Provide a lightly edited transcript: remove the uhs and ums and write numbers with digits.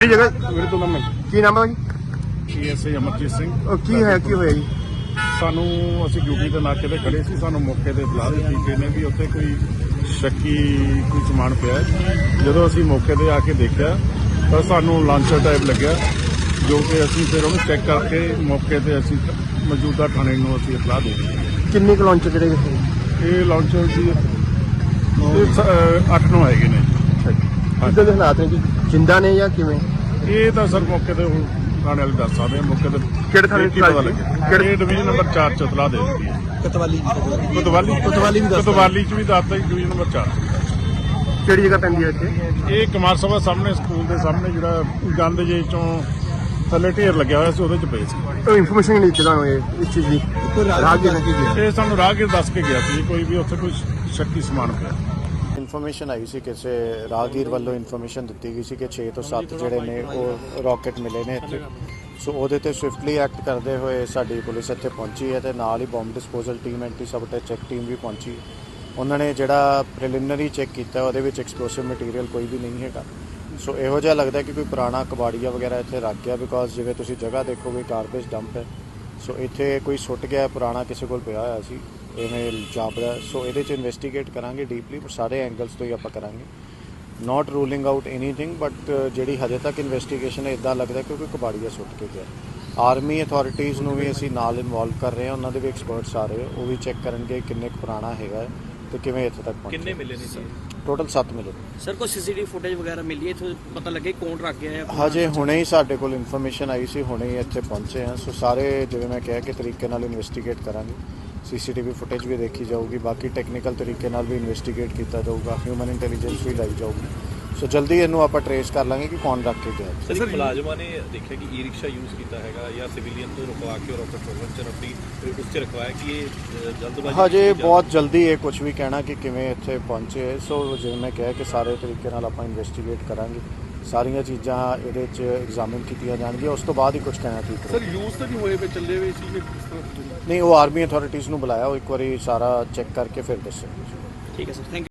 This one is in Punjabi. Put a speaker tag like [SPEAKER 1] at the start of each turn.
[SPEAKER 1] जगह
[SPEAKER 2] मेरे तो नाम है
[SPEAKER 1] की नाम है भाई?
[SPEAKER 2] PSI ਅਮਰਜੀਤ ਸਿੰਘ।
[SPEAKER 1] की है की होया जी?
[SPEAKER 2] ਸਾਨੂੰ ਅਸੀਂ ਡਿਊਟੀ ਦੇ ਨਾਕੇ ਤੇ ਖੜੇ ਸੀ, ਸਾਨੂੰ ਮੌਕੇ ਤੇ ਇਤਲਾਹ ਦਿੱਤੀ ਗਈ ਨੇ ਵੀ ਉੱਥੇ ਕੋਈ ਸ਼ੱਕੀ ਕੋਈ ਸਮਾਨ ਪਿਆ ਹੈ। ਜਦੋਂ ਅਸੀਂ ਮੌਕੇ ਤੇ ਆ ਕੇ ਦੇਖਿਆ ਤਾਂ ਸਾਨੂੰ ਲਾਂਚਰ ਟਾਈਪ ਲੱਗਿਆ, ਜੋ ਕਿ ਅਸੀਂ ਫਿਰ ਉਹਨੂੰ ਚੈੱਕ ਕਰਕੇ ਮੌਕੇ ਤੇ ਅਸੀਂ ਮੌਜੂਦਾ ਥਾਣੇ ਨੂੰ ਅਸੀਂ ਇਤਲਾਹ ਦੇ ਦਿੱਤੀ।
[SPEAKER 1] किन्ने क लॉन्च ਜਿਹੜੇ
[SPEAKER 2] ਇਹ ਲਾਂਚਰ ਦੀ 8-9 ਹੈਗੇ ਨੇ।
[SPEAKER 1] ਕਿੱਦਾਂ ਦੇ ਹਾਲਾਤ ਨੇ ਜੀ? ਜਿੰਦਾ ਨੇ ਜਾਂ ਕਿਵੇਂ?
[SPEAKER 2] ਇਹ ਤਾਂ ਸਰ ਮੌਕੇ ਤੇ ਹੁਣ ਥਾਣੇ ਵਾਲੇ ਦੱਸ ਸਕਦੇ ਆ। ਮੌਕੇ ਤੇ
[SPEAKER 1] ਕਿਹੜੇ ਥਾਣੇ
[SPEAKER 2] ਕੀ ਪਤਾ ਲੱਗਿਆ? ਕਿਹੜੇ ਡਿਵੀਜ਼ਨ ਨੰਬਰ 4 ਚ ਇਤਲਾਹ ਦੇ ਦਿੱਤੀ ਹੈ।
[SPEAKER 1] ਕਤਵਾਲੀ
[SPEAKER 2] ਕੋਤਵਾਲੀ ਚ ਵੀ ਦੱਸਦਾ ਜੀ, ਡਿਵੀਜ਼ਨ ਨੰਬਰ 4
[SPEAKER 1] ਕਿਹੜੀ ਜਗ੍ਹਾ ਪੈਂਦੀ ਹੈ ਇੱਥੇ?
[SPEAKER 2] ਇਹ ਕੁਮਾਰ ਸਭਾ ਸਾਹਮਣੇ ਸਕੂਲ ਦੇ ਸਾਹਮਣੇ ਜਿਹੜਾ ਗੰਦ ਜੇ ਚੋਂ ਥੱਲੇ ਢੇਰ ਲੱਗਿਆ ਹੋਇਆ ਸੀ, ਉਹਦੇ ਚ ਪਏ ਸੀ।
[SPEAKER 1] ਉਹ ਇਨਫੋਰਮੇਸ਼ਨ ਨਹੀਂ ਦਿੱਤੀ ਤੁਹਾਨੂੰ ਇਸ ਚੀਜ਼ ਦੀ? ਰਾਹਗੀਰ ਨੇ ਕੀ ਕੀਤਾ?
[SPEAKER 2] ਇਹ ਸਾਨੂੰ ਰਾਹਗੀਰ ਦੱਸ ਕੇ ਗਿਆ ਸੀ ਕੋਈ ਵੀ ਉੱਥੇ ਕੋਈ ਸ਼ੱਕੀ ਸਮਾਨ ਪਿਆ।
[SPEAKER 3] ਇਨਫੋਰਮੇਸ਼ਨ ਆਈ ਸੀ, ਕਿਸੇ ਰਾਹਗੀਰ ਵੱਲੋਂ ਇਨਫੋਰਮੇਸ਼ਨ ਦਿੱਤੀ ਗਈ ਸੀ ਕਿ 6 ਤੋਂ 7 ਜਿਹੜੇ ਨੇ ਉਹ ਰਾਕਟ ਮਿਲੇ ਨੇ ਇੱਥੇ। ਸੋ ਉਹਦੇ ਤੇ ਸਵਿਫਟਲੀ ਐਕਟ ਕਰਦੇ ਹੋਏ ਸਾਡੀ ਪੁਲਿਸ ਇੱਥੇ ਪਹੁੰਚੀ ਹੈ ਤੇ ਨਾਲ ਹੀ bomb disposal team, anti sabotage check team ਵੀ ਪਹੁੰਚੀ। ਉਹਨਾਂ ਨੇ ਜਿਹੜਾ ਪ੍ਰੀਲਿਮਿਨਰੀ ਚੈੱਕ ਕੀਤਾ ਉਹਦੇ ਵਿੱਚ ਐਕਸਪਲੋਸਿਵ ਮਟੀਰੀਅਲ ਕੋਈ ਵੀ ਨਹੀਂ ਹੈਗਾ। ਸੋ ਇਹੋ ਜਿਹਾ ਲੱਗਦਾ ਕਿ ਕੋਈ ਪੁਰਾਣਾ ਕਬਾੜੀਆ ਵਗੈਰਾ ਇੱਥੇ ਰੱਖ ਗਿਆ, ਬਿਕੋਜ਼ ਜਿਵੇਂ ਤੁਸੀਂ ਜਗ੍ਹਾ ਦੇਖੋਗੇ ਗਾਰਬੇਜ ਡੰਪ ਹੈ। ਸੋ ਇੱਥੇ ਕੋਈ ਸੁੱਟ ਗਿਆ ਪੁਰਾਣਾ, ਕਿਸੇ ਕੋਲ ਪਿਆ ਹੋਇਆ ਸੀ, ਇਵੇਂ ਜਾਪਦਾ। ਸੋ ਇਹਦੇ 'ਚ ਇਨਵੈਸਟੀਗੇਟ ਕਰਾਂਗੇ ਡੀਪਲੀ, ਪਰ ਸਾਰੇ ਐਂਗਲਸ ਤੋਂ ਹੀ ਆਪਾਂ ਕਰਾਂਗੇ। Not ruling out anything, but ਜਿਹੜੀ ਹਜੇ ਤੱਕ ਇਨਵੈਸਟੀਗੇਸ਼ਨ ਹੈ ਇੱਦਾਂ ਲੱਗਦਾ ਕਿ ਕੋਈ ਕਬਾੜੀਆ ਸੁੱਟ ਕੇ ਗਿਆ। ਆਰਮੀ ਅਥਾਰਟੀਜ਼ ਨੂੰ ਵੀ ਅਸੀਂ ਨਾਲ ਇਨਵੋਲਵ ਕਰ ਰਹੇ ਹਾਂ, ਉਹਨਾਂ ਦੇ ਵੀ ਐਕਸਪਰਟਸ ਆ ਰਹੇ, ਉਹ ਵੀ ਚੈੱਕ ਕਰਨਗੇ ਕਿੰਨੇ ਕੁ ਪੁਰਾਣਾ ਹੈਗਾ ਤੇ ਕਿਵੇਂ ਇੱਥੇ ਤੱਕ ਪਹੁੰਚਿਆ।
[SPEAKER 4] ਕਿੰਨੇ ਮਿਲੇ ਨੇ ਸਰ?
[SPEAKER 3] ਟੋਟਲ 7 ਮਿਲੇ।
[SPEAKER 4] ਸਰ ਕੋਈ ਸੀਸੀਟੀਵੀ ਫੁਟੇਜ ਵਗੈਰਾ ਮਿਲੀ ਹੈ ਇੱਥੋਂ ਪਤਾ ਲੱਗੇ ਕੌਣ ਰੱਖ ਗਿਆ ਹੈ?
[SPEAKER 3] ਹਜੇ ਹੁਣੇ ਹੀ ਸਾਡੇ ਕੋਲ ਇਨਫੋਰਮੇਸ਼ਨ ਆਈ ਸੀ, ਹੁਣੇ ਹੀ ਇੱਥੇ ਪਹੁੰਚੇ ਹਾਂ। ਸੋ ਸਾਰੇ ਜਿਵੇਂ ਮੈਂ ਕਿਹਾ ਕਿ ਤਰੀਕੇ ਨਾਲ ਇਨਵੈਸਟੀਗੇਟ ਕਰਾਂਗੇ। ਸੀਸੀਟੀਵੀ ਫੁਟੇਜ ਵੀ ਦੇਖੀ ਜਾਊਗੀ, ਬਾਕੀ ਟੈਕਨੀਕਲ ਤਰੀਕੇ ਨਾਲ ਵੀ ਇਨਵੈਸਟੀਗੇਟ ਕੀਤਾ ਜਾਊਗਾ, ਹਿਊਮਨ ਇੰਟੈਲੀਜੈਂਸ ਵੀ ਲਾਈ ਜਾਊਗੀ। ਸੋ ਜਲਦੀ ਇਹਨੂੰ ਆਪਾਂ ਟਰੇਸ ਕਰ ਲਾਂਗੇ ਕਿ ਕੌਣ ਰੱਖ ਕੇ ਗਿਆ।
[SPEAKER 4] ਸਰ ਮੁਲਾਜ਼ਮਾਂ ਨੇ ਦੇਖਿਆ ਕਿ ਈ ਰਿਕਸ਼ਾ ਯੂਜ਼ ਕੀਤਾ ਹੈਗਾ ਜਾਂ ਸਿਵਿਲੀਅਨ ਤੋਂ ਰੁਕਵਾ ਕੇ ਰੋਕਟ ਪ੍ਰੋਗਰਾਮ ਚ ਰੱਖੀ ਉਸ ਚ ਰਖਵਾਇਆ ਕਿ ਇਹ ਜਲਦਬਾਜ਼ੀ?
[SPEAKER 3] ਹਜੇ ਬਹੁਤ ਜਲਦੀ ਇਹ ਕੁਝ ਵੀ ਕਹਿਣਾ ਕਿ ਕਿਵੇਂ ਇੱਥੇ ਪਹੁੰਚੇ। ਸੋ ਜਿਵੇਂ ਮੈਂ ਕਿਹਾ ਕਿ ਸਾਰੇ ਤਰੀਕੇ ਨਾਲ ਆਪਾਂ ਇਨਵੈਸਟੀਗੇਟ ਕਰਾਂਗੇ, ਸਾਰੀਆਂ ਚੀਜ਼ਾਂ ਇਹਦੇ 'ਚ ਐਗਜ਼ਾਮਿਨ ਕੀਤੀਆਂ ਜਾਣਗੀਆਂ, ਉਸ ਤੋਂ ਬਾਅਦ ਹੀ ਕੁਝ ਕਹਿਣਾ ਠੀਕ ਹੈ।
[SPEAKER 2] ਸਰ ਯੂਜ਼ ਤਾਂ ਨਹੀਂ ਹੋਏ ਪਏ, ਚੱਲੇ ਹੋਏ ਸੀ?
[SPEAKER 3] ਨਹੀਂ, ਉਹ ਆਰਮੀ ਅਥਾਰਟੀਜ਼ ਨੂੰ ਬੁਲਾਇਆ, ਉਹ ਇੱਕ ਵਾਰੀ ਸਾਰਾ ਚੈੱਕ ਕਰਕੇ ਫਿਰ ਦੱਸਣਗੇ।
[SPEAKER 4] ਠੀਕ ਹੈ ਸਰ, ਥੈਂਕ ਯੂ।